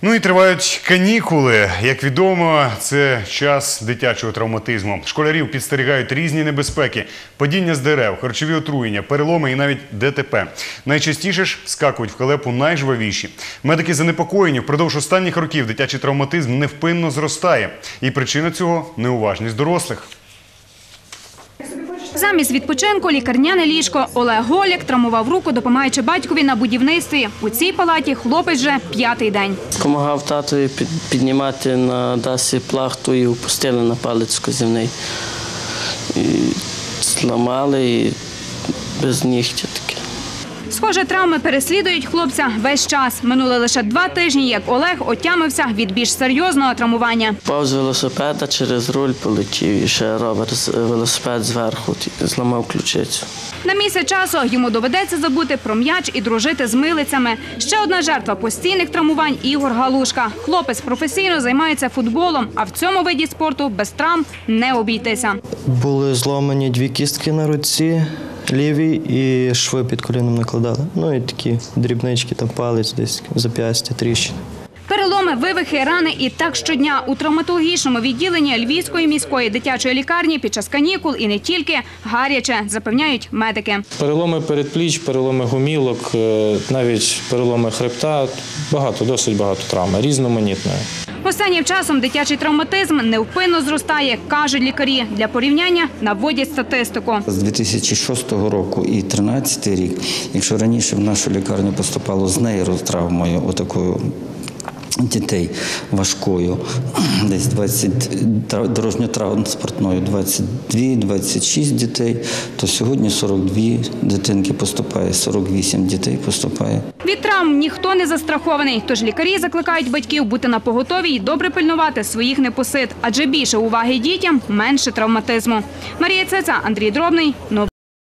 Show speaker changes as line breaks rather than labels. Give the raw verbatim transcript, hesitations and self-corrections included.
Ну і тривають канікули. Як відомо, це час дитячого травматизму. Школярів підстерігають різні небезпеки – падіння з дерев, харчові отруєння, переломи і навіть ДТП. Найчастіше ж скакують в халепу найжвавіші. Медики занепокоєні, впродовж останніх років дитячий травматизм невпинно зростає. І причина цього – неуважність дорослих.
Замість відпочинку – лікарняне ліжко. Олег Голяк травмував руку, допомагаючи батькові на будівництві. У цій палаті хлопець вже п'ятий день.
Помагав татові піднімати на дасі плахту і опустили на палець вказівний. І зламали, і без нігтя таке.
Схоже, травми переслідують хлопця весь час. Минуло лише два тижні, як Олег отямився від більш серйозного травмування.
Впав з велосипеда, через руль полетів, і ще ровер з велосипед зверху, зламав ключицю.
На місяць часу йому доведеться забути про м'яч і дружити з милицями. Ще одна жертва постійних травмувань – Ігор Галушка. Хлопець професійно займається футболом, а в цьому виді спорту без травм не обійтися.
Були зламані дві кістки на руці, лівій, і шви під коліном накладали. Ну і такі дрібнички, там палець, десь зап'ястя, тріщини.
Переломи, вивихи, рани і так щодня. У травматологічному відділенні Львівської міської дитячої лікарні під час канікул і не тільки гаряче, запевняють медики.
Переломи передпліч, переломи гомілок, навіть переломи хребта, багато, досить багато травм, різноманітної.
Останнім часом дитячий травматизм невпинно зростає, кажуть лікарі. Для порівняння наводять статистику.
З дві тисячі шостого року і дві тисячі тринадцятого рік, якщо раніше в нашу лікарню поступало з нейротравмою, отакою дітей важкою, десь двадцять, дорожньо-транспортною двадцять дві - двадцять шість дітей, то сьогодні сорок дві дитинки поступає, сорок вісім дітей поступає.
Від травм ніхто не застрахований, тож лікарі закликають батьків бути напоготові і добре пильнувати своїх непосид, адже більше уваги дітям – менше травматизму. Марія Цеца, Андрій Дробний.